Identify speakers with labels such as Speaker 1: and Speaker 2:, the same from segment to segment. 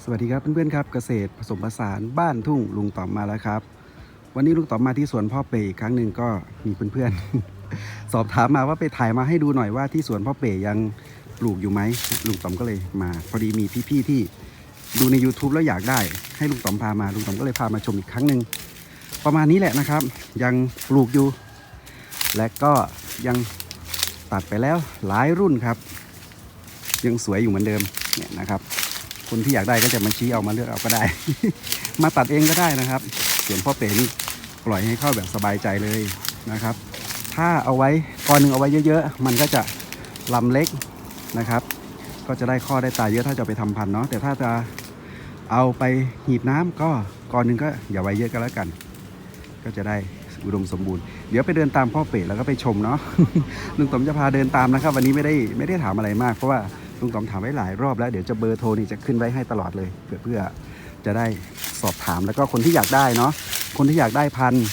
Speaker 1: สวัสดีครับเพื่อนๆครับเกษตรผสมผสานบ้านทุ่งลุงต๋อมมาแล้วครับวันนี้ลุงต๋อมมาที่สวนพ่อเป๋อีกครั้งหนึ่งก็มีเพื่อนๆ สอบถามมาว่าไปถ่ายมาให้ดูหน่อยว่าที่สวนพ่อเป๋ยังปลูกอยู่ไหมลุงต๋อมก็เลยมาพอดีมีพี่ๆที่ดูใน YouTube แล้วอยากได้ให้ลุงต๋อมพามาลุงต๋อมก็เลยพามาชมอีกครั้งหนึ่งประมาณนี้แหละนะครับยังปลูกอยู่และก็ยังตัดไปแล้วหลายรุ่นครับยังสวยอยู่เหมือนเดิมเนี่ยนะครับคนที่อยากได้ก็จะมาชี้เอามาเลือกเอาก็ได้ มาตัดเองก็ได้นะครับส่วนพ่อเป๋นี่ปล่อยให้เข้าแบบสบายใจเลยนะครับถ้าเอาไว้กอหนึ่งเอาไว้เยอะๆมันก็จะลำเล็กนะครับก็จะได้ข้อได้ตาเยอะถ้าจะไปทำพันธุ์เนาะแต่ถ้าจะเอาไปหีบน้ำก็กอหนึ่งก็อย่าไว้เยอะก็แล้วกันก็จะได้อุดมสมบูรณ์เดี๋ยวไปเดินตามพ่อเป๋แล้วก็ไปชมเนาะ ลุงต๋อมจะพาเดินตามนะครับวันนี้ไม่ได้ถามอะไรมากเพราะว่าลุงต๋อมถามไว้หลายรอบแล้วเดี๋ยวจะเบอร์โทรนี่จะขึ้นไว้ให้ตลอดเลยเพื่อจะได้สอบถามแล้วก็คนที่อยากได้เนาะคนที่อยากได้พันธุ์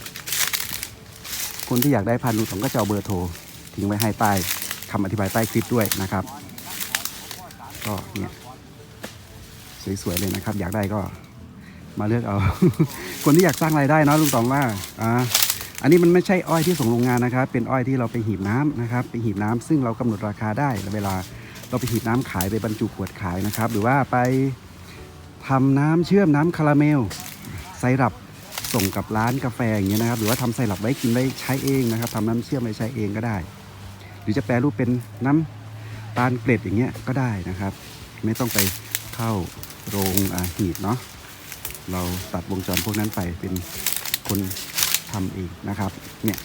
Speaker 1: ลุงต๋อมก็จะเอาเบอร์โทรทิ้งไว้ให้ใต้คำอธิบายใต้คลิปด้วยนะครับก็เนี่ยสวยๆเลยนะครับอยากได้ก็มาเลือกเอา คนที่อยากสร้างรายได้เนาะลุงต๋อมว่าอันนี้มันไม่ใช่อ้อยที่ส่งโรงงานนะครับเป็นอ้อยที่เราไปหีบน้ำนะครับไปหีบน้ำซึ่งเรากำหนดราคาได้เวลาเราไปหีบน้ำขายไปบรรจุขวดขายนะครับหรือว่าไปทำน้ำเชื่อมน้ำคาราเมลไซรัปส่งกับร้านกาแฟอย่างเงี้ยนะครับหรือว่าทำไซรัปไว้กินไว้ใช้เองนะครับทำน้ำเชื่อมไว้ใช้เองก็ได้หรือจะแปรรูปเป็นน้ำตาลเกล็ดอย่างเงี้ยก็ได้นะครับไม่ต้องไปเข้าโรงหีบเนาะเราตัดวงจรพวกนั้นไปเป็นคนทำเองนะครับเนี่ย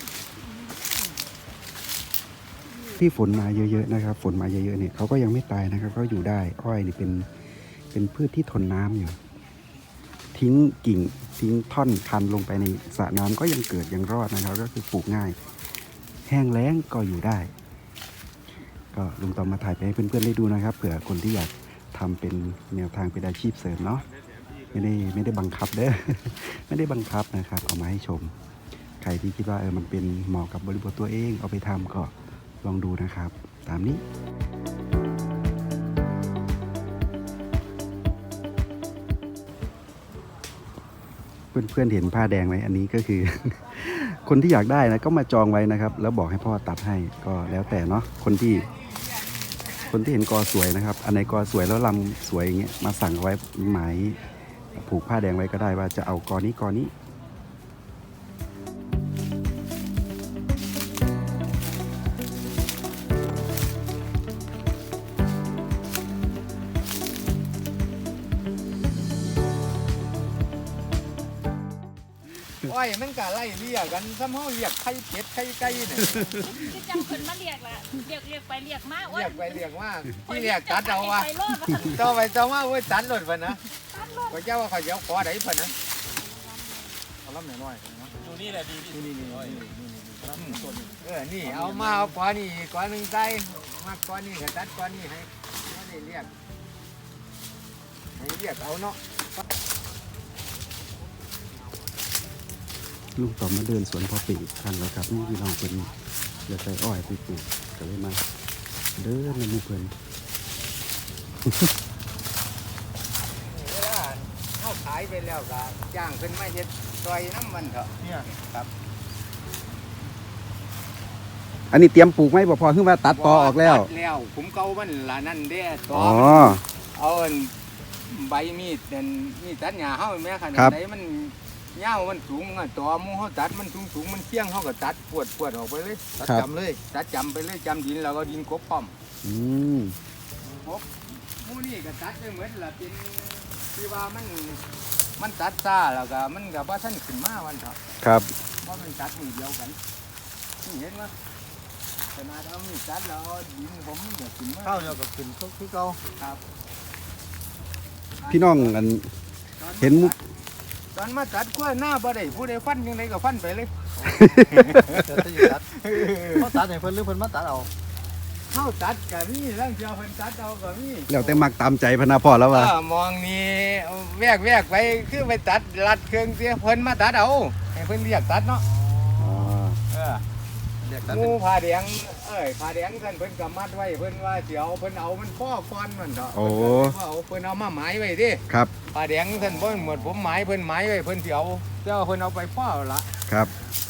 Speaker 1: ที่ฝนมาเยอะๆนะครับฝนมาเยอะๆเนี่ยเขาก็ยังไม่ตายนะครับเขาอยู่ได้อ้อยนี่เป็นพืชที่ทนน้ำอยู่ทิ้งกิ่งทิ้งท่อนคันลงไปในสระน้ำก็ยังเกิดยังรอดนะครับก็คือปลูกง่ายแห้งแล้งก็อยู่ได้ก็ลุงต๋อมมาถ่ายไปให้เพื่อนๆได้ดูนะครับเผื่อคนที่อยากทำเป็นแนวทางเป็นอาชีพเสริมเนาะไม่ได้บังคับเด้อ ไม่ได้บังคับนะครับเอามาให้ชมใครที่คิดว่ามันเป็นเหมาะกับบริบทตัวเองเอาไปทำก็ลองดูนะครับตามนี้เพื่อนๆเห็นผ้าแดงไหมอันนี้ก็คือ คนที่อยากได้นะก็มาจองไว้นะครับแล้วบอกให้พ่อตัดให้ก็แล้วแต่เนาะคนที่เห็นกอสวยนะครับอันไหนกอสวยแล้วลำสวยอย่างเงี้ยมาสั่งไว้หมายผูกผ้าแดงไว้ก็ได้ว่าจะเอากอนี้
Speaker 2: อ้อยมันก็ไล่เรียกกันซ้ำเฮาเรียกไข่เป็ดไข่ไก่เนี่ย
Speaker 3: คือจังคนมาเรียกละเรียกไปเรียกมาโอ้ย
Speaker 2: เรียกไปเรียกมาที่เรียกตัดเอาว่า
Speaker 3: ไปโลดว่าซั่น
Speaker 2: ต่อไปต่อมาโอ้ยตัดรถเพิ่นนะ
Speaker 3: ตัดโลด
Speaker 2: ก็เจ้าว่าเขาจะเอาขอได้เพิ่นนะเอาลำน้อยๆนะ
Speaker 4: ดูนี่แหละดีที่สุด
Speaker 2: นี่เอามาเอาขอนี่ขอหนึงใส่มาขอนี่ก็ตัดขอนี่ให้บ่ได้เรียกเอาเนาะ
Speaker 1: ลุงต่อมาเดินสวนพ่อปีครั้งแล้วครับนี่พี่น้องเป็นอยากใส่อ้อยไปปลูกก็เลยมาเดินในหมู่เพื่อน
Speaker 2: เวลาเฮาขายไปแล้วก็จ้างเพิ่นมาเฮ็ดซอยน้ำมันเถอะ
Speaker 4: เนี่ย
Speaker 2: ครับ
Speaker 1: อันนี้เตรียมปลูกไหมบ่พอขึ้นว่าตัดตอออกแล้ว
Speaker 2: ตัดแล้วผมเก่ามันละนั่นเด้ตอ
Speaker 1: อ๋อ
Speaker 2: เอาอันใบมีดเป็นมีดตัดหญ้าเฮาแม่ขนา
Speaker 1: ครั
Speaker 2: ด
Speaker 1: บ
Speaker 2: ไหนมันยาวมันสูงอะตอหมู่เฮาตัดมันสูงมันเที่ยงเฮาก็ตัดปวดออกไปเลย
Speaker 4: ตัดจำเลย
Speaker 2: ตัดจำไปเลยจำดินแล้วก็ดินกบป้อม
Speaker 1: อืม
Speaker 2: กบหมู่นี่ก็ตัดไปเหมือนละเป็นที่ว่ามันตัดซาแล้วก็มันก็บ่ทันขึ้นมาวันเถอะ
Speaker 1: ครับ
Speaker 2: เพราะมันตัดมือเดียวกันนี่เห็นมั้ยขนาดเอามีดตัดแล้วเอาดินผมมันก็ขึ้นมา
Speaker 4: ข้าวเนี่ยก็ขึ้นคือเก่า
Speaker 2: ครับ
Speaker 1: พี่น้องอันเห็นมุก
Speaker 2: ตอนมาตัดกล้วยหน้าบ่ได้ผู้ใดฟันยังไงก็ฟันไปเลย
Speaker 4: เดี๋ยวจะตัดเขาตัดให้เพิ่นหรือเพิ่นมาตัดเอา
Speaker 2: เข้าตัดก็มีร่างเจียวเพิ่นตัดเอาก็มี
Speaker 1: แล้วแต่มักตามใจพนาพ่อแล้วว่า
Speaker 2: มองนี่แวกไปคือไปตัดรัดเครื่องเสียเพิ่นมาตัดเอาให้เพิ่นเรียกตัดเนาะ
Speaker 1: อ๋อ
Speaker 2: เออ
Speaker 4: เรียกตัด
Speaker 2: หมู
Speaker 4: เป็น
Speaker 2: ผ้าแดงผ้าแดงท่านเพิ่นก็มัดไว้เพิ่นว่าสิเอาเพิ่นเอามันพ่อก่อนมันเถาะ
Speaker 1: โอ้
Speaker 2: เพิ่นเอาเพิ่นเอามาหมายไว้ดิ
Speaker 1: ครับ
Speaker 2: ผ้าแดงท่านบ่หมดผมหมายเพิ่นหมายไว้เพิ่นสิเอาเจ้าเพิ่นเอาไปพ่อละ
Speaker 1: ครับ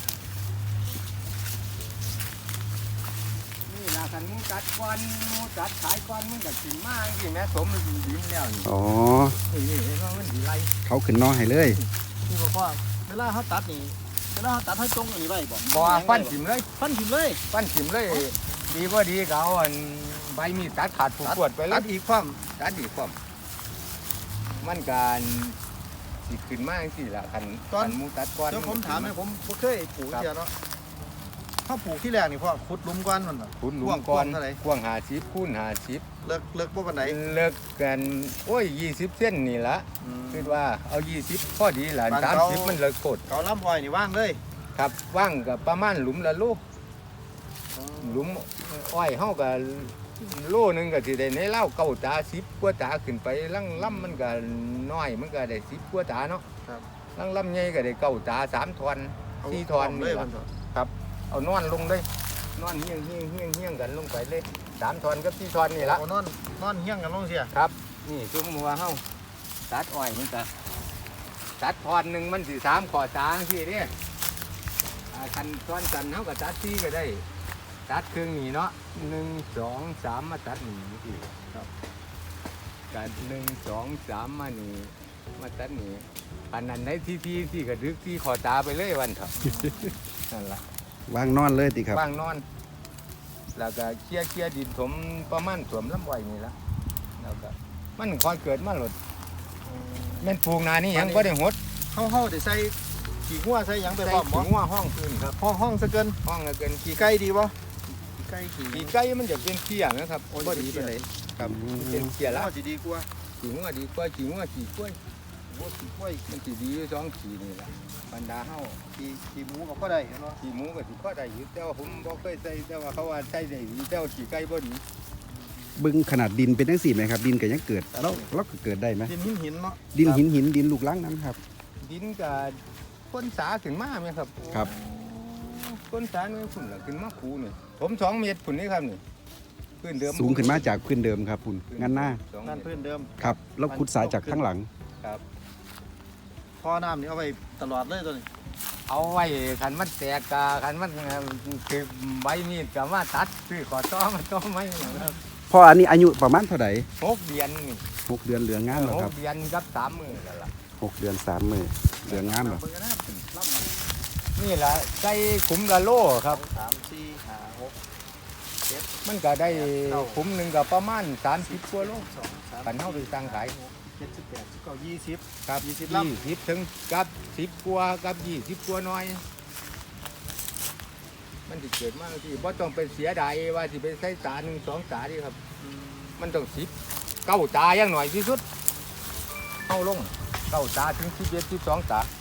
Speaker 2: นี่ล่ะคันมึงจัดก่อนมึงจัดขายก่อนมึงก็กินมาจังซี่แม่สมมันดินแล้วนี่
Speaker 1: อ๋อ
Speaker 2: นี่เห็นว่ามันสิไล่
Speaker 1: เขาขึ้นนอให้เลย
Speaker 4: นี่บอกว่าเวลาเขาตัดนี่เวลาเขาตัดให้ตรงอันนี้ไว้บ่
Speaker 2: บ่ฟันถิ่มเลย
Speaker 4: ฟันถิ่มเลย
Speaker 2: ฟันถิ่มเลย ดีบ่ดีก็เอาอันใบมีดตัดขาดผูกปวดไปเล
Speaker 4: ตั
Speaker 2: ย
Speaker 4: ดอีกความ
Speaker 2: ตัดดีพร้อมมันการสิขึ้นมาจังซี่ล่ะคันหมูตัดก่อน
Speaker 4: เดี๋ยวผมถามให้ผมบ่เคยปลูกเดียวเนาะเขาปลูกที่แรกนี่พ่อขุดหลุมก่อนมันน่ะ
Speaker 2: คุณลุง
Speaker 4: กว้าง
Speaker 2: ก่อน
Speaker 4: เท่าไหร่
Speaker 2: กว้าง50คูณ50
Speaker 4: เลิกบ่ปานใด
Speaker 2: เลิกกันโอ้ย20เส้นนี่ละคิดว่าเอา20พอดีล่ะ30มันเลิกโคตร
Speaker 4: เขาล้ำอ้อยนี่ว่างเลย
Speaker 2: ครับว่างกับประมาณหลุมละโลหลุมอ้อยเฮาก็โลนึงก็สิได้ในเล่าเก้าตา10กว่าตาขึ้นไปลังล่ำมันก็น้อยมันก็ได้10กว่าตาเนาะ
Speaker 4: ครับ
Speaker 2: ลังล่ำใหญ่ก็ได้เก้าตา3ทอน4ทอน
Speaker 4: เล
Speaker 2: นี่
Speaker 4: ย
Speaker 2: ล่ะ
Speaker 4: มันเถอะ
Speaker 2: ครับเอานอนลงเลยนอนเฮี้ยงกันลงไปเลย3ทอนกับ4ทอนนี่ละ
Speaker 4: เอานอนเฮี้ยงกันลงเสีย
Speaker 2: ครับนี่จุ่มหัวเฮาตัดอ้อยมันก็ตัดทอนหนึงมันสิ3ขอตาจังซี่เด้คันทอนกันเฮาก็ตัด4ก็ได้ตัดครึ่งนี่เนาะ1 2 3มาตัดนี่อีกครับกัน1 2 3มานี่มาตัดนี่อันนั้นได้ที่ก็ดึกที่ขอตาไปเลยวันเถอะ นั่นล่ะ
Speaker 1: วางนอนเลยติครับ
Speaker 2: ว่างนอน แล้วก็เคลียร์ดินถมประมาณถมลำไว้นี่ละแล้วก็มันคอยเกิดมาหลดแม่นปลูกนานี่ยังก็ได้หด
Speaker 4: เฮาได้ใส่ขี้หัวใส่หยังไป
Speaker 2: ใส่
Speaker 4: พร้อมบ่
Speaker 2: ถุงว่าห้องพื้นครับ
Speaker 4: ห้องซะเกิน
Speaker 2: ห้องละเกิน
Speaker 4: ขี้ไก่ดีบ่ขี้ไก่ขี้
Speaker 2: ขี่ไก่มันจะเป็นเขี้ยนะครับ
Speaker 4: โอ้ยดีไปเลย
Speaker 2: ครับเป็นเขี้ยละ
Speaker 4: สิดีกว่า
Speaker 2: ขี่งัวดีกว่าขี่งัวขี่กล้วย
Speaker 4: โอ้ขี้กล้วย
Speaker 2: มันสิดีอยู่สองขี่นี่ละบรรดาเฮา
Speaker 4: ขี้หมูก็ได้เนาะ
Speaker 2: ขี่หมูก็สิพอได้อยู่แต่ว่าผมบ่เคยใส่แต่ว่าเขาว่าใส่ได้ดีแต่ว่าขี่ไก่บ่ดี
Speaker 1: บึงขนาดดินเป็นจังสี่ไหมครับ ดินก็ยังเกิดเราก็เกิดได้ไหม
Speaker 4: ดินหินเนาะ
Speaker 1: ดินหินดินลูกลังน้ำครับ
Speaker 2: ดินกับก้นสาขึ้นมาไหมครับ
Speaker 1: ครับ
Speaker 2: ก้นสาเนี่ยฝุ่นละขึ้นมาคูนี่ผม2 เมตรฝุ่นนี่ครับนี่พื้นเดิม
Speaker 1: สูงขึ้นมาจากพื้นเดิมครับคุณงั้นหน้า
Speaker 2: สอง
Speaker 4: นั่น
Speaker 2: เมตร
Speaker 4: พื้นเดิม
Speaker 1: ครับแล้วขุดสายจากข้างหลัง
Speaker 2: ครับ
Speaker 4: ท่อน้ำนี่เอาไว้ตลอดเลยตัวนี้
Speaker 2: เอาไว้ขันมันแตกกะขันมันคือใบมีดกับมาตัดซื้อขอต้อมาต้อไม่ครับ
Speaker 1: พออันนี้อายุประมาณเท่าไหร่
Speaker 2: 6 เดือนนี่
Speaker 1: 6 เดือนเหลืองงามแล้วครับ
Speaker 2: 6 เดือนกับ3 มื้อแล้วล่ะ
Speaker 1: 6 เดือน3 มื้อเหลืองงามแล้ว
Speaker 2: เบิ่งกันนะนี่ล่ะใส่ขุมละโลครับ
Speaker 4: 3 4 5 6
Speaker 2: มันก็ได้ขุมหนึงก็ประมาณ30กว่าโล
Speaker 4: 2 3
Speaker 2: ขันเฮาไปตั้งขาย
Speaker 4: 7 8 9 20
Speaker 2: ครับ
Speaker 4: 20ลำ
Speaker 2: 20ถึงกับ10กว่ากับ20กว่าน้อย มันสิเกิดมากที่บ่ต้องไปเสียดายว่าสิไปใส่ตา1 2 ตาดิครับ มันต้อง10 9 ตาอย่างหน่อยที่สุดเข้าลง9 ตาถึง11 12 ตา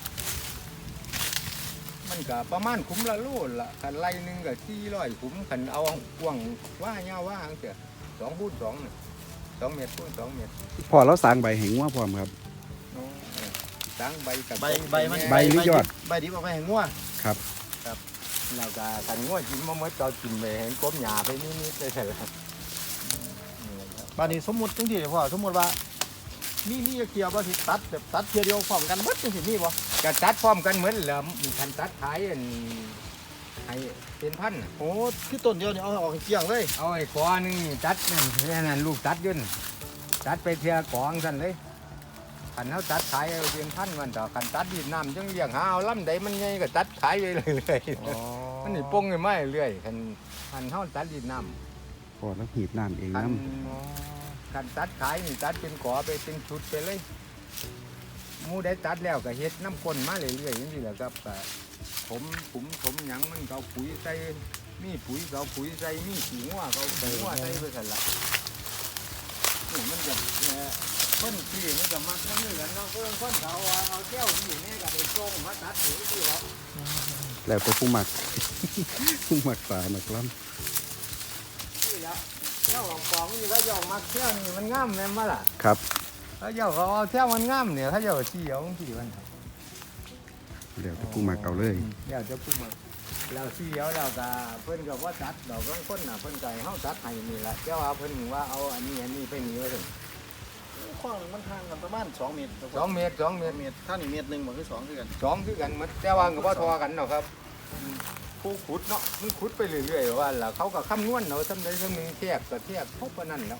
Speaker 2: มันก็ประมาณขุมละโลละคันไล่หนึงก็400ขุมคันเอากว้างว่ายาวว่าจังซี่2คูณ2น่ะ2 เมตรคูณ2 เมตร
Speaker 1: พอเราสร้างใบแห่งงัวพร้อมครับ
Speaker 2: ตั้งใบกับ
Speaker 4: ใบมัน
Speaker 1: ใบหรือยอด
Speaker 4: ใบดิบเอาไปให้งัว
Speaker 1: ครับ
Speaker 2: แล้วก็คันงวดกินมาเมื่อเรากินไปเห็นกบหญ้าไปนิดๆได้ใช่ไหมครับ
Speaker 4: บาดนี้สมมุติจังซี่พ่อสมมุติว่ามีเกี่ยวบ่สิตัดแบบตัดเทียเดียวพร้อมกันเบิดจังซี่มีบ่
Speaker 2: ก็ตัดพร้อมกันเหมือนเหลือมีคันตัดขายอันให้เป็นพันน่ะ
Speaker 4: โอ้คือต้นเดียวนี่เอาออกให้เกลี้ยงเลย
Speaker 2: เอาไอ้กอหนึงนี่ตัดนั่นลูกตัดอยืนตัดไปเทียกองสั่นเลยคันเขาตัดขายเอาเป็นพันมันต่อคันตัดดินน้ำจังเลี้ยงหาเอาลำใดมันใหญ่ก็ตัดขายไปเรื่อยๆมันนี่ปงไปไม่เรื่อยคันเขาตัดดินน้ำ
Speaker 1: พอแล้วหีดน้ำเอง
Speaker 2: คัน
Speaker 1: น้
Speaker 2: คันตัดขายนี่ตัดเป็นกอไปเป็นชุดไปเลยหมูได้ตัดแล้วก็เฮ็ดน้ำก้นมาเรื่อยๆอย่างนี้แหละครับก็ผมหยังมันก็เอาปุ๋ยใส่มีปุ๋ยก็เอาปุ๋ยใส่มีขี้งัวก็เอาขี้งัวใส่ไปสั่นละนี่มันจะคนที่มันจะมักมันเหมือนเนาะคนเขาเอาแก้วนี่นี่ก็ได้ส่งมาตัดหนูที่แล้ว
Speaker 1: ำแล้วแต่ผู้หมัก ผู้หมักสาหมักล้
Speaker 2: นี่แล้วเจ้าของกองนี่แล้วเจ้ามักแก้วนี่มันงามแม่นบ่ล่ะ
Speaker 1: ำครับ
Speaker 2: แล้วเจ้าเขาเอาแก้วมันงามเนี่ยถ้าเจ้าชี้เอาที่มัน
Speaker 1: เดี๋ยวแต่ผู้หมักเอาเลย
Speaker 2: เดี๋ยวจะพูดมาแล้วเสียวแล้วก็เพิ่นก็ว่าตัดดอกบางคนน่ะเพิ่นก็ให้เฮาตัดให้นี่ล่ะแต่ว่าเพิ่นว่าเอาอันนี้ไปหนีไว้ถึง
Speaker 4: ขว้างมันห่างกันประมาณ2เมตร
Speaker 2: 2 เมตร 2 เมตร
Speaker 4: เมตรถ้านี่เมตรหนึงบ่คือ2คือกัน
Speaker 2: 2คือกันหมดแต่ว่าก็บ่ทอกันเนาะครับผู้ขุดเนาะมันขุดไปเรื่อยๆว่าล่ะเขาก็คำนวณเอาซำใดซำหนึงแทบก็แทบเท่าปานนั้นแล้ว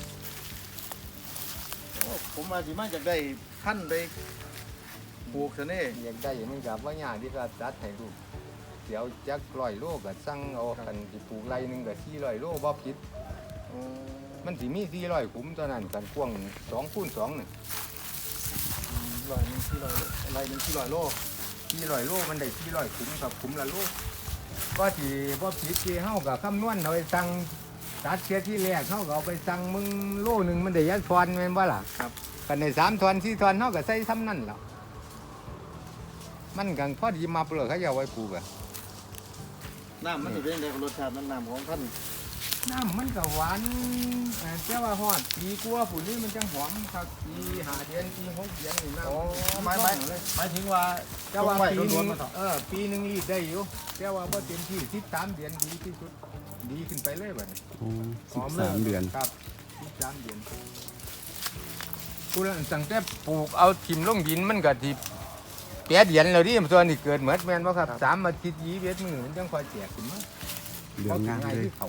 Speaker 4: โอ้ผมว่าสิมาจากได้พันธุ์ไปปลูกซะแน่
Speaker 2: อยากได้มันก็บ่ยากที่จะตัดให้ลูกเดี๋ยวจัก100โลก็สั่งเอาคันสิปลูกไร่หนึงก็400โลบ่ผิด
Speaker 4: โอ้
Speaker 2: มันสิมี400ขุมตัวนั้นกันกว้าง2คูณ2น่ะ
Speaker 4: ร้อยหนึง400อะไรหนึง400โล
Speaker 2: 400โลมันได้400ขุมกับขุมละโลก็สิบ่ผิดที่เฮาก็คำนวณเอาไปสั่งตัดเสียที่แรกเฮาก็เอาไปสั่งมึงโลหนึงมันได้ยักทอนแม่นบ่ล่ะ
Speaker 4: ครับ
Speaker 2: กันได้3ทอน4ทอนเฮาก็ใส่ซ้ำนั่นแล้วมันก็พอดีมาเปลือกเขาจะเอาไว้ปลูกอะ
Speaker 4: น้ำมันสิเป็นจังได๋รสชาติมันน้ำของท่าน
Speaker 2: น้ำมันก็หวานแต่ว่าฮอดปีกว่าผู้นี้มันจังหอมครับปี5เดือนปี6เดือนนี่น้ำ
Speaker 4: โอ้
Speaker 2: น
Speaker 4: หมาย
Speaker 2: ต้องเลย
Speaker 4: หมายถึงว่า
Speaker 2: แต่ว่า
Speaker 4: ไว้
Speaker 2: ปีห
Speaker 4: ล้
Speaker 2: นึ
Speaker 4: วน
Speaker 2: ง
Speaker 4: ๆมาเถอะ
Speaker 2: ปีหนึงรีดได้อยู่แต่ว่าบ่เต็มที่13เดือนดีที่สุดดีขึ้นไปเลยบัดนี้
Speaker 1: โอ้13 เดือน
Speaker 2: ครับ13เดือนผู้นั้นตั้งแต่ปลูกเอาทิ่มลงดินมันก็สิ8เดือนแล้วดิส่วนนี้เกิดเหมือนแม่นบ่ครับ3อาทิตย์21มื้อมันจังค่อยแตกขึ้นมา
Speaker 1: เหลืองงามเลย
Speaker 2: ที่เขา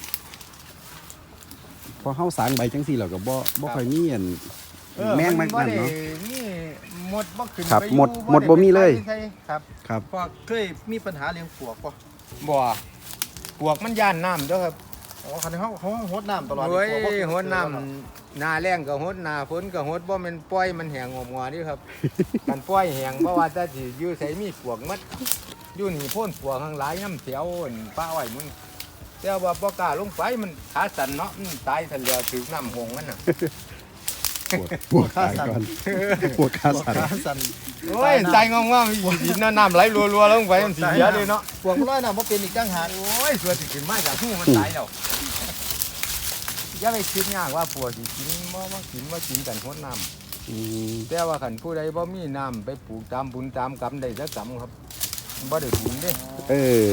Speaker 1: พอเฮาสางใบจังซี่แล้วก็บ่ค่อยมีอันแมงมันนั่นเนาะ
Speaker 2: นี่หมดบ่ขึ้น
Speaker 1: ครับ
Speaker 2: ไป
Speaker 1: หมดบ่มีเลย
Speaker 2: ครับ
Speaker 1: ครับ
Speaker 4: พอเคยมีปัญหาเรื่องปลวกป่ะ
Speaker 2: บ่ปวกมันย่านน้ำเด้อครับ
Speaker 4: อ๋อคันเขาหดน้ำตลอด
Speaker 2: โอ้ย
Speaker 4: ปลวกบ่
Speaker 2: หดน้ำหน้าแรงก็หดหน้าฝนก็หดบ่แม่นปล่อยมันแห้งงอมๆนี่ครับ มันปล่อยแห้งเพราะว่าแต่สิอยู่ไสมีปวกหมัดอยู่นี่โพ่นปวกทั้งหลายน้ำเสียวอั่นป้าอ้อยมึงแต่ว่าบ่กล้าลงไปมันขาสั่นเนาะมันตายทันแล้วถึงน้ำหงมันน่ะ
Speaker 1: ปวดขาก่อนปวดขาสั่น
Speaker 4: ขาสั่น
Speaker 2: โอ้ยใจงงๆมีดินน้ำไหลรัวๆลงไปมันสิเสียเลยเนาะ
Speaker 4: ปลวกร้อยน้ำบ่เป็นอีกจังหาก
Speaker 2: โอ้ยส่วนสิกินมาจากหูมันตายแล้วอย่าไปคิดยากว่าปวดสิกินบ่กินกันหดน้ำ
Speaker 1: อืม
Speaker 2: แต่ว่าขันผู้ใดบ่มีน้ำไปปลูกตามบุญตามกรรมได้สักกรรมครับบ่ได้บุญเด้
Speaker 1: เออ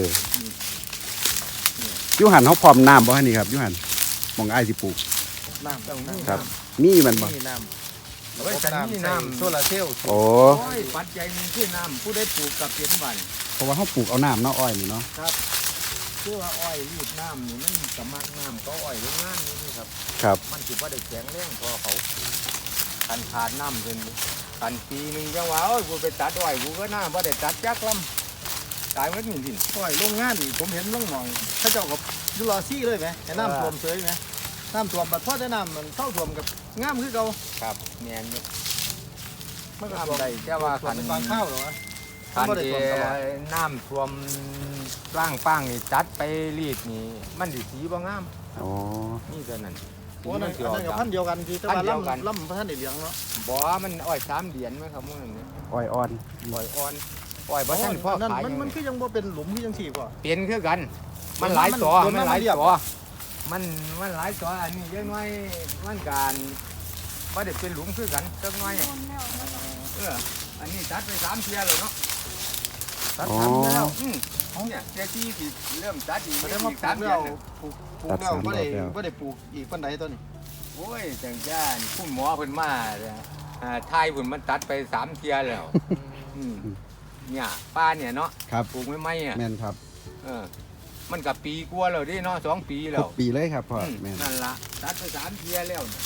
Speaker 1: อยู่หันเฮาพร้อมน้ำบ่ฮะนี่ครับอยู่หันหม่องอ้ายสิปลูก
Speaker 4: น้ำต้องมี
Speaker 1: ครับ
Speaker 4: น้
Speaker 1: มีมันบ่
Speaker 4: ำมีน้ำ
Speaker 2: เอาไว้ฉันมีน้ำ
Speaker 4: โซลาร์เซลล์
Speaker 1: โอ้
Speaker 2: โอ้ยปัจจัยหนึงคือน้ำผู้ใดปลูกกับเปลี่ยนวัน
Speaker 1: เพราะว่าเฮาปลูกเอาน้ำเนาะอ้อยนี่เนาะ
Speaker 2: ครับคือว่าอ้อยรีดน้ำนี่มันสมักน้ำก็อ้อยโรงงานนี่ครับ
Speaker 1: ครับ
Speaker 2: มันสิบ่ได้แข็งแรงพอเขาคันขาดน้ำเพิ่นคันปีหนึงจังว่าโอ้ยกูไปตัดอ้อยกูก็น่าบ่ได้ตัดจักลำตายหมดนี่ดิน
Speaker 4: ปล่อยโรงงานนี่ผมเห็นลงหนองเขาเจ้ากับยูรอซี่เลยไหมให้น้ำท่วมเฉยไหมน้ำท่วมบัดพอได้น้ำมันเข้าท่วมกับงามคือเก่า
Speaker 2: ครับแม่นอยู่
Speaker 4: มันก็
Speaker 2: น้ำ
Speaker 4: ท่วม
Speaker 2: ได้แต่ว่า
Speaker 4: ท่ว
Speaker 2: คั
Speaker 4: ม
Speaker 2: น
Speaker 4: เป็นบางข้าวเหรอวะ
Speaker 2: คัน
Speaker 4: บ่ได้
Speaker 2: ที่
Speaker 4: ท่วมตลอด
Speaker 2: น้ำท่วมร่างป้างนี่ตัดไปรีดนี่มันสิสีบ่งาม
Speaker 1: อ๋อ
Speaker 2: นี่เท่านั้น
Speaker 4: โอ้นั่น
Speaker 2: สี
Speaker 4: อัน
Speaker 2: มั
Speaker 4: นั้น
Speaker 2: สิ
Speaker 4: กับ
Speaker 2: ออก
Speaker 4: พันธุ์เดียวกันที่แต่ว่า
Speaker 2: พันธุ์เดียวกัน
Speaker 4: ล่ำพันธุ์ในเหลืองเนาะ
Speaker 2: บ่มันอ้อย3เดือนไหมครับมื้อนั้นเนี่ย
Speaker 1: อ้อยอ่อน
Speaker 2: อ้อยอ่อนอ้อยบ่ทันพ่อ
Speaker 4: นั่น
Speaker 2: ขาย
Speaker 4: มันคือยังบ่เป็นหลุมคือยังสี่ป่ะ
Speaker 2: เป็นคือกัน มันหลายตัว
Speaker 4: โดนมัน
Speaker 2: มันหลาย
Speaker 4: เรียบ
Speaker 2: ตัวมันหลายตัวอันนี้ยังน้อยมันการบ่ได้เป็นหลุมคือกันจักหน่อยอันนี้ตัดไป3เที่ยแล้วเนาะ
Speaker 4: ตัดทำแล้ว
Speaker 2: เนี่ยเที่ยที่สิเริ่มตัดอีก
Speaker 4: แสด
Speaker 2: อี
Speaker 4: งว่าก ปลู
Speaker 2: 3
Speaker 4: ก
Speaker 2: เดื
Speaker 4: แล้
Speaker 2: อน
Speaker 4: ว
Speaker 2: น่ะ
Speaker 4: ปลูกแล้วบ่ได้ปลูกอีกปานใดตัวนี้
Speaker 2: โอ้ยจังจ้านคุณหมอเพิ่นมาเนี่ยทายเพิ่นมันตัดไป3เที่ยแล้วเนี่ยป้าเนี่ยเนาะ
Speaker 1: ครับ
Speaker 2: ปลูกไม่ไหมอ่ะ
Speaker 1: แม่นครับ
Speaker 2: มันกับปีกว่าแล้วดิเนาะ2 ปีแล้
Speaker 1: ห
Speaker 2: ว
Speaker 1: กปีเลยครับพ่อแม่น
Speaker 2: นั่นล่ะตัดไป3เที่ยแล้วน่ะ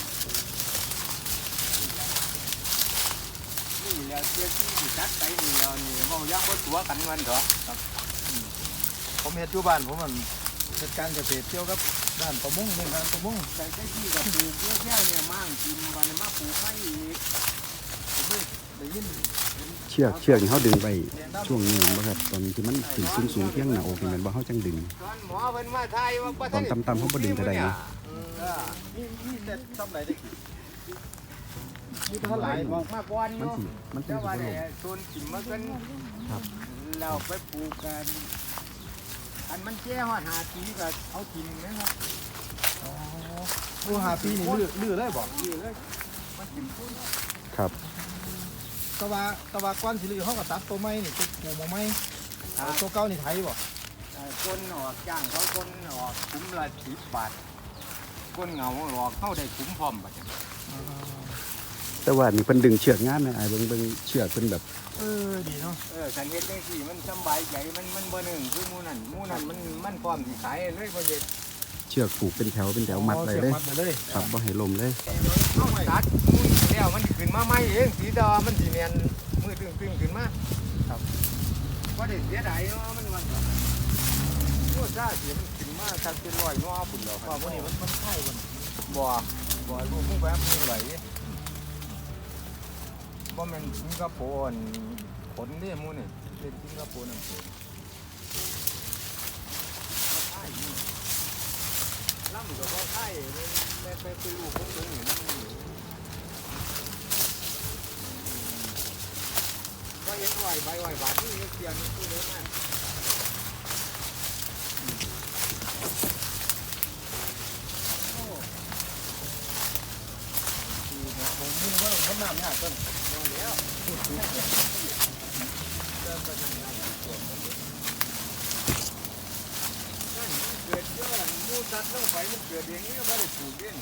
Speaker 2: นี่แหล้วเที่ยที่ตัดไปนี่แล้วนี่เว้ายังบ่ตัวกันมันเถอะ
Speaker 4: ผมเฮ็ดอยู่บ้านผมมันเฮ็ดการเกษตรเกี่ยวกับด้านประมงเรื่องการประมง
Speaker 2: แต่ที่ก็ปลูกเยอะๆเนี่ยมั่งกินวันนี้มาปลูกไม่อีก
Speaker 4: ผมไม่ได้ยิน
Speaker 1: เชือกนี่เฮาดึงไปช่วงนี้บ่ครับตอนที่มันขึ้นสูงๆเพียงหน้าอกนี่แม่นบ่เฮาจังดึง
Speaker 2: ตอนหมอเพิ่นมาทายว่าบ่
Speaker 1: ตอนต่ำๆเขาบ่ดึงเท่าใดนะ
Speaker 4: นี่แต่ทำไรได้มีเท่าไหร่
Speaker 2: บอกมาก่อน
Speaker 1: มัน
Speaker 2: เนาะ
Speaker 1: สิมันสิ
Speaker 2: แต่
Speaker 1: บ่
Speaker 2: ว่า
Speaker 1: ล
Speaker 2: ได้
Speaker 1: ง
Speaker 2: โซนกินมากัน
Speaker 1: ครับ
Speaker 2: เราไปปลูกกันอันมันแก่ฮอด5 ปีก็เอากินนะครับ
Speaker 4: ดูหาปีนี่ลื้อเลยบอก
Speaker 2: นี่เลยมันกินพุ่น
Speaker 1: ครับ
Speaker 4: ตะวาก้อนสิลื้อเขาก็ตัดตัวไม้นี่ตัวปูมาไม้ตัวเก่านี่ไถบ่
Speaker 2: คนออกจ้างเขาคนออกคุ้มละ10 บาทคนเหงาหลอกเข้าได้คุ้มพร้อมบัดนี้
Speaker 1: แต่ว่านี่เพิ่นดึงเชือกงามนะไอ้เบิ่งเชือกเพิ่นแบบ
Speaker 4: ดีเนาะ
Speaker 2: คันเฮ็ดจังซี่มันสำบายใจมันบ่หนึ่งคือหมู่นั่นมันพร้อมสิขายเลยบ่เฮ็ด
Speaker 1: เชือกผูกเป็นแถวมัดไว้เลย
Speaker 4: มัดไปเลย
Speaker 1: ครับบ่ให้ลมเลย
Speaker 2: เอาตัดมุ้ยแล้วมันขึ้นมาใหม่เองสีดามันสิแม่นมือตึงขึ้นมาครับบ่ได้เสียดายเนาะมันโอ้ซ่าเสียมันขึ้นมาทักเป็น100งอพุ่นแล้ว
Speaker 4: พอพวกนี้มันไข่มัน
Speaker 2: บ่ลูกมึงแบบมึงไหลบ่แม่นสิงคโปร์ขนเด้หมู่นี่เป็นสิงคโปร์นั่นเองล่ำก็บ่ไข่ไปลูกของมึงนี่มันก็เห็นไหวใบไหวบาทนี่เสียนี่ตู้เด้มาก
Speaker 4: ผมนี่ว่าต้นน้ำยากต้น
Speaker 2: แล้วเริ่มไปทางนั้นส่วนมันนั่นเกิดเยอะมูตัดลงไปมันเกิดเองนี่ไม่ได้ปลูกเอง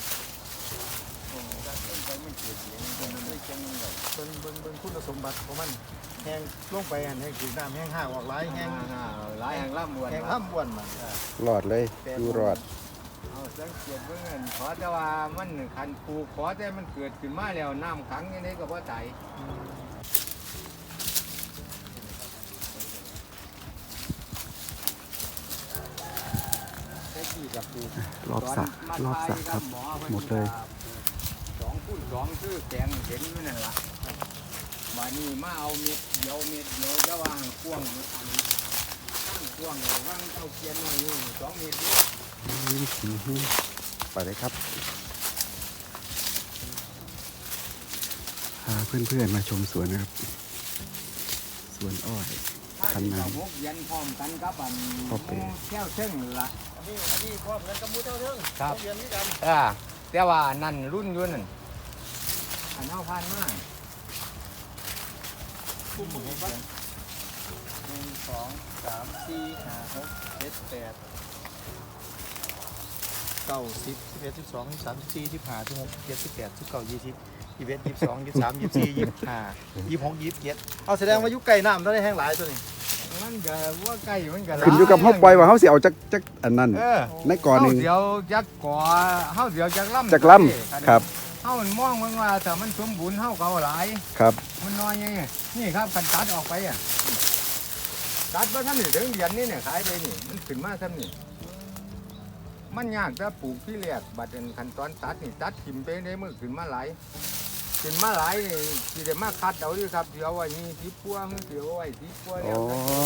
Speaker 2: ตัดลงไปมันเกิดเองมันไม่จังเลย
Speaker 4: เบิ่งคุณสมบัติของมันแห้งลงไปอันให้ถือน้ำแห้งห่างออกหลายแห้ง
Speaker 2: หลายแห่งล่ำวน
Speaker 4: แห้งล่ำบ้วนมัน
Speaker 1: รอดเลยอยู่รอด
Speaker 2: เอาสังเกตเบื้องเงินขอแต่ว่ามันคันปลูกขอแต่มันเกิดขึ้นมาแล้วน้ำขังยังไงก็บ่ตายได้กี่กับปลูก
Speaker 1: รอบสระครับ หมดเลย
Speaker 2: 2x2คือแกงเห็นอยู่นั่นล่ะวันนี้มาเอาเม็ดเดียวจะวางกว้างอันตั้งกว้างวางเอาเกียนหน่อยอยู่2 เมตรนี่
Speaker 1: ไปเลยครับพาเพื่อนๆมาชมสวนนะครับ สวนอ้อย
Speaker 2: ถ้าที่เราพกเย็นพร้อมกันกับอัน
Speaker 1: พ่อเป๋
Speaker 2: แก้วเชิงล่ะ
Speaker 4: อันนี้พร้อมกันกับมูเจ้าเรื่อง
Speaker 2: ครับ
Speaker 4: เรียนนี่กัน
Speaker 2: แต่ว่านั่นรุ่นอยุ่นั่นอันเท่าพันมาก
Speaker 4: คุ้มหมดเลย1 2 3 4 5 6 7 8 9 10 11 12 13 14 15 16 17 18 19 20 21 22 23 24 25 26 27เอาแสดงว่ายุคไก่น้ำต้องได้แห้งหลายตัวนี้
Speaker 2: มันก็ว่าไก่มันก็หลา
Speaker 1: ขึ้นอยู่กับเฮาปล่อยว่าเฮาสิเอาจักอันนั้น
Speaker 2: เออ
Speaker 1: ในก่อนหนึง
Speaker 2: เฮาเดี๋ยวจักก่อเฮาเดี๋ยวจักล่ำ
Speaker 1: จักลำครับ
Speaker 2: เฮามันมองมันว่าถ้ามันสมบูรณ์เฮาก็เอาหลาย
Speaker 1: ครับ
Speaker 2: มันน้อยไงนี่ครับคันตัดออกไปอ่ะตัดว่าท่านนี่ถึงเดือนนี้เนี่ยขายไปนี่มันขึ้นมาท่านนี่มันยากจะปลูกที่แรกบัดเป็นขั้นตอนตัดนี่ตัดถิ่มไปได้มือขึ้นมาหลายขึ้นมาหลายนี่สิได้มาคัดเอาดิครับเดี๋ยวไว้นี่ที่พัวเดี๋ยวไว้ที่พัวแล้ว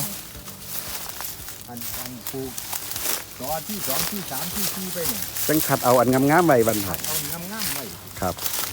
Speaker 2: อันปลูกตอนที่2ที่3ที่4ไปเนี่ย
Speaker 1: จังคัดเอาอันงามๆไว้บัดน
Speaker 2: เอางามๆไว้
Speaker 1: ครับ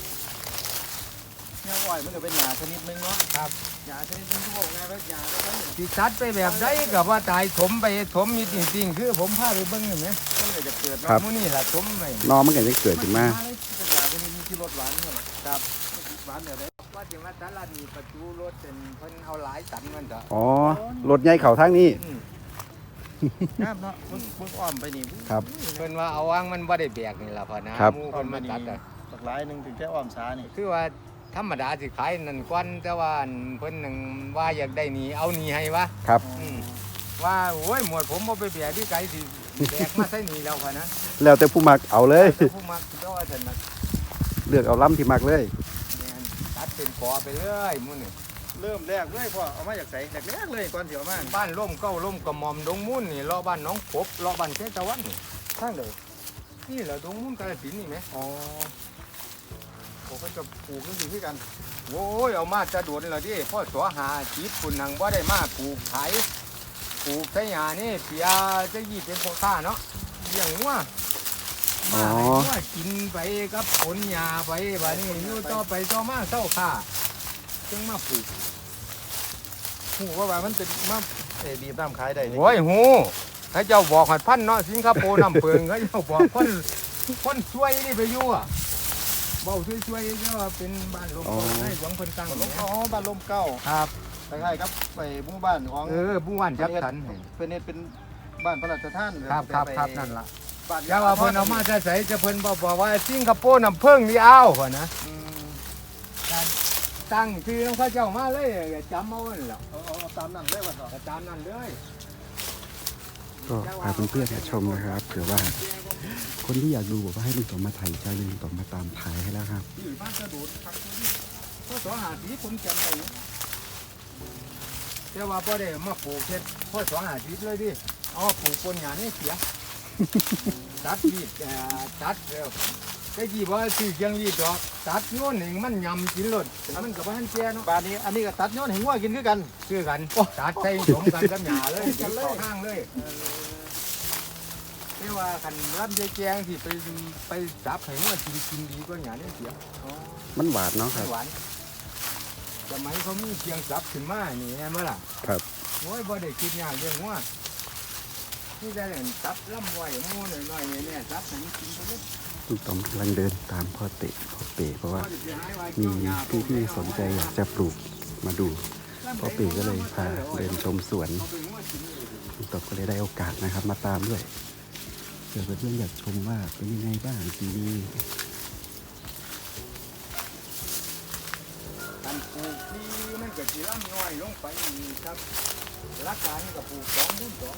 Speaker 4: เนี่ยอ้อยมันก็เป็นหญ้าชนิดหนึงเนาะ
Speaker 2: ครับ
Speaker 4: หญ้าชนิดหนึงที่บอกไงว่าหญ้าแล้วมัน
Speaker 2: สิตัดไปแบบใดกับว่าตายถมไปถมมีจริงๆคือผมพาไปเบิ่งเห็นไหม
Speaker 4: ก็จะเกิด
Speaker 1: ครับ
Speaker 2: มื้อนี้ล่ะถมไป
Speaker 1: นอมันก็จะเกิดขึ้นมา
Speaker 4: เป็นหญ้าชนิดนี้ที่รสหวานเท่าไหร่
Speaker 2: ครับ
Speaker 4: หวานแบบไหน
Speaker 2: ว่าสิมาตลาดมีประตูรถเป็นเพิ่นเอาหลายตันมันจ้ะ
Speaker 1: อ๋อรถใหญ่เข้าทางนี้
Speaker 4: งามเนาะมึงอ้อมไปนี่
Speaker 1: ครับ
Speaker 2: เพิ่นว่าเอาวางมันบ่ได้แบกนี่ล่ะพ่อนะครับ หมู่
Speaker 4: อ้อ
Speaker 2: เพิ่
Speaker 4: ม
Speaker 2: น
Speaker 4: ไป
Speaker 2: มา
Speaker 4: นี่
Speaker 2: ตัดอ่ะ
Speaker 4: สักหลายหนึงถึงแค่อ้อมสานี่
Speaker 2: คือว่าธรรมดาสิขายนั่นกวนแต่ว่าอันเพิ่นนึงว่าอยากได้นี่เอานี่ให้วะ
Speaker 1: ครับ
Speaker 2: ว่าโอ้ยหมวดผมบ่ไปแบกที่ไกลสิแบกมาใส่นี่แล้วพ่อนะ
Speaker 1: แล้วแต่ผู้มักเอาเลย
Speaker 2: แต่ผู้มักก็ว่าซั่นน่ะ
Speaker 1: เลือกเอาล้ำที่มักเลย
Speaker 2: แม่นตัดเป็นกอไปเรื่อยมื้อนี้
Speaker 4: เริ่มแรกเลยพ่อเอามาจากใส่แรกๆเลยก่อนเสียวมา
Speaker 2: บ้านร่มเก้าร่มกระหม่อมดงมุ่นนี่รอบ้านหน้องกบรอบ้านเทตะวันนี่
Speaker 4: ข้างเลย
Speaker 2: นี่แหละดงมุ่นกาฬสินธุ์นี่ไหม
Speaker 4: อ๋อผมก็จะปลูกนั่นอยู่ที่กัน
Speaker 2: โอ้ยเอามาจะโดนเลยดิพ่อสวหาจีบคุณนังว่าได้มาปลูกขายปลูกไส่หานี่เปียจะยี่เป็นพ่อค้าเนาะเลี้ยงวัว
Speaker 1: อ๋อ
Speaker 2: มาให้วัวกินไปกับผลหญ้าไปบัดนี้อยู่ต่อไปต่อมาเศร้าค่าจึงมาปลูก
Speaker 4: หูว่ามันเป็นมาบีบน้ำขายได้นี่
Speaker 2: โอ้ยหูให้เจ้าบอกหัดพันเนาะสิงคโปร์น้ำเพิงเขาเจ้าบอกคนช่วยนี่ไปอยู่อ่ะเบาช่วยๆก็ว่าเป็นบ้านหลวงพ่อให้หลวงเพิ่นตั้ง
Speaker 4: บ้านล
Speaker 2: เนี่
Speaker 4: ม
Speaker 2: ย
Speaker 4: อ๋อบ้านลมเก้า
Speaker 2: ครับ
Speaker 4: คล้ายๆครับไปหมู่บ้านของ
Speaker 2: บุ้งวันจักสันให้
Speaker 4: เป็นเน็ตเป็นบ้านพระราชทาน
Speaker 2: ครับนั่นล่ะ
Speaker 4: บ้าน
Speaker 2: อย่าว่าเพิ่นเอามาจะใส่จะเพิ่นบอกว่าสิงคโปร์น้ำเพิ่งนี่เอาพุ่นนะ
Speaker 4: อืม
Speaker 2: การตั้งชื่อของเขาเจ้ามาเลยอย่าจำเอานั่นแหละ
Speaker 4: เอาตามนั้นเลยว่าต่อ
Speaker 2: ก็ตามนั้นเลย
Speaker 1: ก็พาเพื่อนๆมาชมนะครับเผื่อว่า คนที่อยากดูบอกว่าให้ลุงต่อมมาถ่ายใจลุงต่อมมาตามถ่ายให้แล้วครับ
Speaker 2: อยู่บ้านกระโดดพักตัวนี้พอ250ผมจำได้อยู่แต่ว่าพอได้มาปลูกเฮ็ดพอ250เลยดิเอาปลูกปนหญ้านี่เสีย ตัดวีดตัดได้กี่ว่าซื้อเกียงวีดดอกตัดโน่นหนึ่งมันยำกินรถมันกับบ้านแก่เนาะ
Speaker 4: บ้านนี้อันนี้ก็ตัดย้อนให้งัวกินคือกัน
Speaker 2: ซื้อกันตัดใส่สมกันกับหญ้าเลยติดต่อข้างเลยแต่ว่าคันรับยายแกงที่ไปจับให้ว่ากินดีกว่าหญ้านี่เสีย
Speaker 1: มันหวานเนาะครับ
Speaker 2: หวานสมัยเขามีเกียงจับขึ้นมานี่แน่เมื่อล่ะ
Speaker 1: ครับ
Speaker 2: โอ้ยบ่ได้คิดยากเรื่องว่าที่ได้จับลำไว้หมูหน่อยๆเนี่ยจับให้มันกินไปเลย
Speaker 1: ลุงต่อมกำลังเดินตามพ่อเตะพ่อเป๋เพราะว่ามีพี่ๆสนใจอยากจะปลูกมาดูพ่อเป๋ก็เลยพาเดินชมสวนลุงต่อมก็เลยได้โอกาสนะครับ มาตามด้วยเผื่อเพื่อนๆอยากชมว่าเป็นยังไงบ้างปีนี้
Speaker 2: การปลูกที่มันก็สิล่ำน้อยลงไปนี่ครับรักการก็ปลูก2 รุ่น 2ก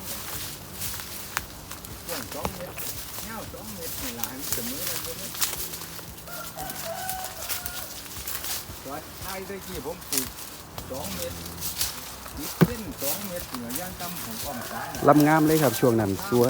Speaker 2: ว้าง2 เมตรยาว2 เมตรนี่ล่ะให้มันเสมอกันหมดเลยตอนท้ายตะกี้ผมปลูก2 เมตร10 เส้น2 เมตรเหนือย่างต่ำของอ้อมสา
Speaker 1: ลำงามเลยครับช่วงนั้นสวย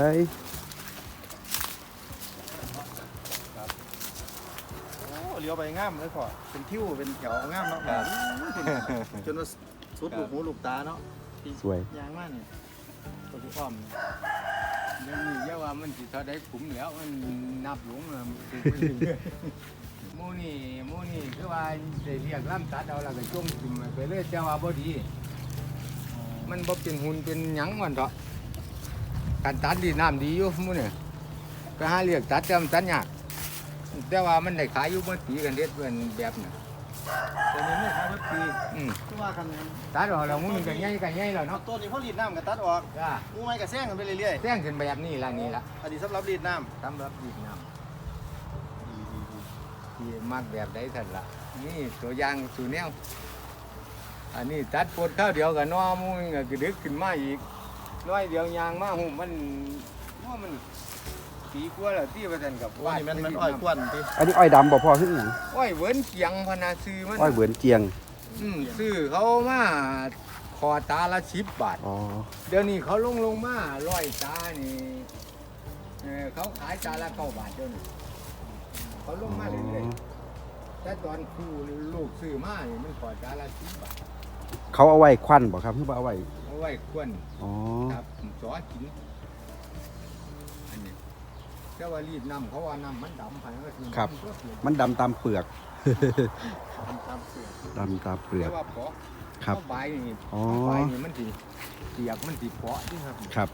Speaker 4: โอ้เลี้ยวไปงามเลยพ่อเป็นทิวเป็นแถวงามเนาะจนว่าสุดลูกหูลูกตาเนาะ
Speaker 1: สวย
Speaker 4: ยางมากเนี่ยตัวที่อ้อม
Speaker 2: เดี๋ยวนี้เยาว่ามันสิเท่าได้ขุมแล้วมันนับหลงแล้วมันปลูกไปเรื่อยๆหมู่นี่คือว่าได้เรียกล่ำตัดเอาแล้วก็จมทิ่มไปเลยแต่ว่าบ่ดี มันบ่เป็นหุ่นเป็นหยังมันเถาะการตัดดีน้ำดีอยู่หมู่นี่ก็หาเรียกตัดแต่มันตัดยากแต่ว่ามันได้ขายอยู่เมื่อปีกันเด็ดเป็นแบบน่ะ
Speaker 4: ตัวนี้ไม่ใช่ว่าปี
Speaker 2: อืม
Speaker 4: คือว่าคัน
Speaker 2: ตัดออกแล้วหมู่นี่ก็ใหญ่แล้ว
Speaker 4: เอา
Speaker 2: เนาะ
Speaker 4: ต้นนี้เขารีดน้ำกับตัดออก
Speaker 2: จ้า
Speaker 4: งูไม้กับแซงกันไปเรื่อย
Speaker 2: แจ้งขึ้นแบบนี้ล่ะนี่ล่ะ
Speaker 4: ๆอันนี้สำหรับรีดน้
Speaker 2: สำหรับดีน้ำที่มักแบบใดท่านล่ะนี่ตัวอย่างสู่แนวอันนี้ตัดปวดข้าวเดียวกับน้อหมูนี่ก็ดึกขึ้นมาอีกน้อยเดียวยางมาหุ่มมันว่ามันปีกว่าแล้วที่ว่าท่านกับ
Speaker 4: ำว่านี่มันอ้อยกวนที่
Speaker 1: อันนี้อ้อยดำบ่พอขึ้นอหย่าง
Speaker 2: อ้อยเหวินเกียงพนาซื้อมัน
Speaker 1: อ้อยเหมือนเจียง
Speaker 2: ซื้อเขามาคอตาละ10 บาท
Speaker 1: อ๋อ
Speaker 2: เดี๋ยวนี้เขาลงมา100 ตานี่เขาขายตาละ9 บาทเดี๋ยวนี้เขาลงมาเรื่อยๆแต่ตอนครูลูกซื้อมานี่มันคอตาละ10 บาท
Speaker 1: เขาเอาไว้ควันบ่ครับเพื่อเอาไว้
Speaker 2: เอาไว้ควน
Speaker 1: อ๋อ
Speaker 2: ครับสอกินอันนี้แต่ว่ารีดน้ำเขาว่าน้ำมันดำไปก็คือ
Speaker 1: ครับ มันดำตามเปลือก
Speaker 2: มันดำเปลือก
Speaker 1: ดำตามเปลือก
Speaker 2: แต่ว่าเพาะ
Speaker 1: ครับ
Speaker 2: เพาะใบนี่
Speaker 1: อ๋อ
Speaker 2: ใบนี่มันสีเปียกมันสีเพาะที่ครับ
Speaker 1: ครับ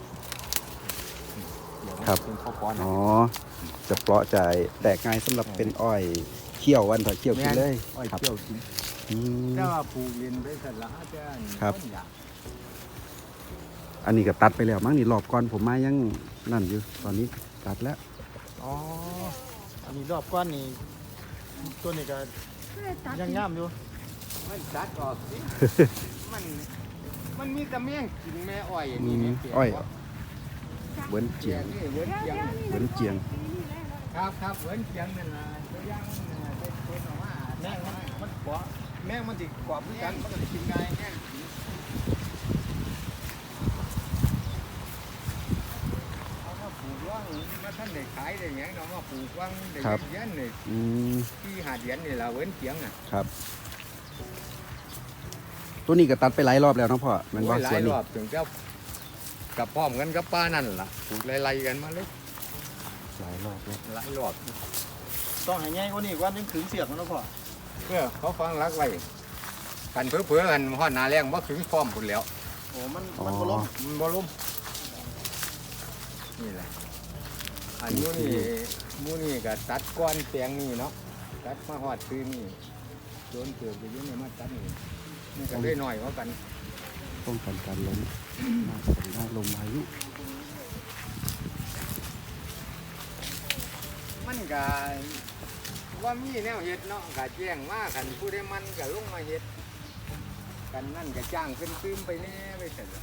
Speaker 2: เปียกมัน
Speaker 1: ครับ
Speaker 2: เป็นข้าวปอน
Speaker 1: อ๋อ จะเปราะใจแตกง่ายสำหรับเป็นอ้อยเคี่ยววันต่อเคี่ยวกินเลย
Speaker 2: อ้อย
Speaker 1: ครับ
Speaker 2: เกี่ยวกิน
Speaker 1: อืม
Speaker 2: แต่ว่าปลูกเรียนไปเสร็จแล้วอาจารย์
Speaker 1: ครับ
Speaker 2: ต้นยาง
Speaker 1: อันนี้ก็ตัดไปแล้วมั้งนี่รอบก่อนผมมายังนั่นอยู่ ตอนนี้ตัดแล้ว
Speaker 4: อ๋ออันนี้รอบก้อนนี่ตัวนี้ก็ยังงามอยู่
Speaker 2: มันตัดออกสิ มันมีแต่แมงกินแม่อ้อยอัน
Speaker 1: อื
Speaker 2: นี้
Speaker 1: ม
Speaker 2: เนี่ยเปียก
Speaker 1: อ้อย
Speaker 2: ว่า
Speaker 1: เหมือนเจียง
Speaker 2: นี่เวิร์นเจียง
Speaker 1: เหมือนเจียง
Speaker 2: ครับเวิร์นเจียงนั่นล่ะตัวอย่างมันน่ะได้เป็นออกมา
Speaker 4: แม่งมันกรอบแม่งมันติกรอบด้วยกันมันก็จะกิน
Speaker 2: ไง
Speaker 4: ง่าย
Speaker 2: แม่งกินเอามาปลูกว่างมาท่านได้ขายได้หยังเนาะมาปลูกว่างได้
Speaker 1: ครับ
Speaker 2: เย็นๆนี่
Speaker 1: อืม
Speaker 2: ที่หาดเย็นนี่ล่ะเวิร์นเจียงน่ะ
Speaker 1: ครับ ตัวนี้ก็ตัดไปหลายรอบแล้วเนาะพ่อแมันว่า
Speaker 2: โอ้ยห
Speaker 1: ส
Speaker 2: ลา
Speaker 1: วย น
Speaker 2: ร
Speaker 1: นี้
Speaker 2: อบถึงจะกับพร้อมกันกับป้านั่นล่ะปลูกไล่ๆกันมาเลย
Speaker 1: หลายรอบแล้ว
Speaker 2: หลายรอบ
Speaker 4: ต้องให้ง่ายกว่านี้กว่านึงถึงเสียกมันแล้วพ่อ
Speaker 2: เพื่อเขาฟังรักไว้กันเพื่อๆกันฮอดหนาแรงบ่ถึงพร้อมพุ่นแล้ว
Speaker 4: โอ้มัน
Speaker 1: อ๋อ
Speaker 4: มันบ่ล้ม
Speaker 2: มันบ่ล้มนี่แหละอันนู้นนี่หมูนี่ก็ตัดก้อนแปลงนี่เนาะตัดมาฮอดซื้อนี่โดนเกือบไปอยู่นี่มาตัดนี่มันก็ได้หน่อยกว่ากัน
Speaker 1: ป้องกันการล้มหน้าฝนหน้าลมพายุ
Speaker 2: ก็ว่ามีแนวเฮ็ดเนาะก็แจ้งว่าคันผู้ใดมันก็ลงมาเฮ็ดกันนั่นก็จ้างขึ้นตื้มไปแน่ไปเสร็จ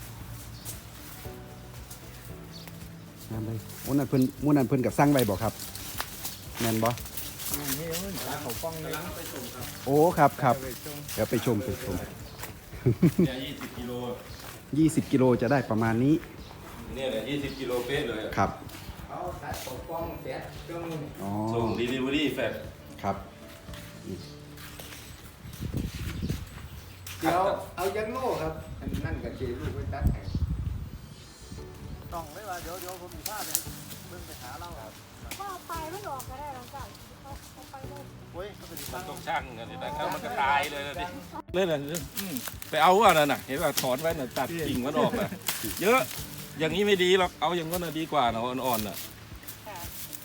Speaker 1: งานเลยมื้อนั้นเพิ่นกับสร้างไว้บ่ครับแม่นบ่
Speaker 2: นี่มันเขาป้องเลย
Speaker 1: โอ้ครับครับ
Speaker 2: ไปส่ง
Speaker 1: เดี๋ยวไปชม
Speaker 5: เนี่ย20 กิโล
Speaker 1: 20 กิโลจะได้ประมาณนี้
Speaker 5: เนี่ยแหละ20 กิโลเป๊ะเลยอะ
Speaker 1: ครับ
Speaker 2: เขาตัดเขาป้องเสร็จจง
Speaker 1: อ๋อ
Speaker 5: ส่ง delivery แฟด
Speaker 1: ครับ
Speaker 2: เดี๋ยวเอายันโล่ครับอันนั่นก็เจลูกไปตัดให้
Speaker 4: ต้องเลยว่าเดี๋ยวผมมีภาพเลยเบิ่งไปหาเราครับ
Speaker 3: ก็เอาไปไม่หลอกก็ได้หลังจากเอาไปเลย
Speaker 4: โอ้ยก็เป็นตั้ง
Speaker 5: ต้องช่างกันสิแต่มันก็ตายเลยนะดิเล่นอะไรไปเอาว่านั่นน่ะเห็นว่าถอนไว้น่ะตัดกิ่งมันออกน่ะเยอะอย่างนี้ไม่ดีหรอกเอาอย่างนั้นน่ะดีกว่าเนาะอ่อนๆน่ะ
Speaker 3: ค่ะ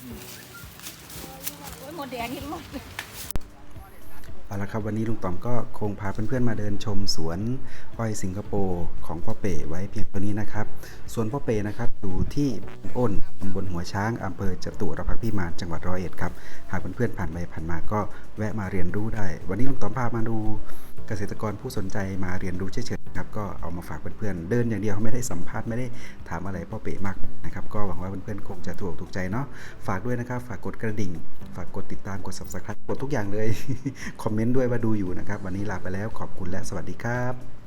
Speaker 3: โอ้ยหมดแดงเห็นหมด
Speaker 1: เอาละครับวันนี้ลุงต๋อมก็คงพาเพื่อนๆมาเดินชมสวนอ้อยสิงคโปร์ของพ่อเป๋ไว้เพียงเท่านี้นะครับสวนพ่อเป๋นะครับอยู่ที่อ้นตำบลหัวช้างอำเภอจตุรพักษ์พิมานจังหวัดร้อยเอ็ดครับหากเพื่อนๆผ่านไปผ่านมาก็แวะมาเรียนรู้ได้ วันนี้ลุงต๋อมพามาดูเกษตรกรผู้สนใจมาเรียนรู้เฉยๆครับก็เอามาฝากเพื่อนๆเดินอย่างเดียวไม่ได้สัมภาษณ์ไม่ได้ถามอะไรพ่อเป๋มากนะครับก็หวังว่าเพื่อนๆคงจะถูกใจเนาะฝากด้วยนะครับฝากกดกระดิ่งฝากกดติดตามกด Subscribe กดทุกอย่างเลย คอมเมนต์ด้วยว่าดูอยู่นะครับวันนี้ลาไปแล้วขอบคุณและสวัสดีครับ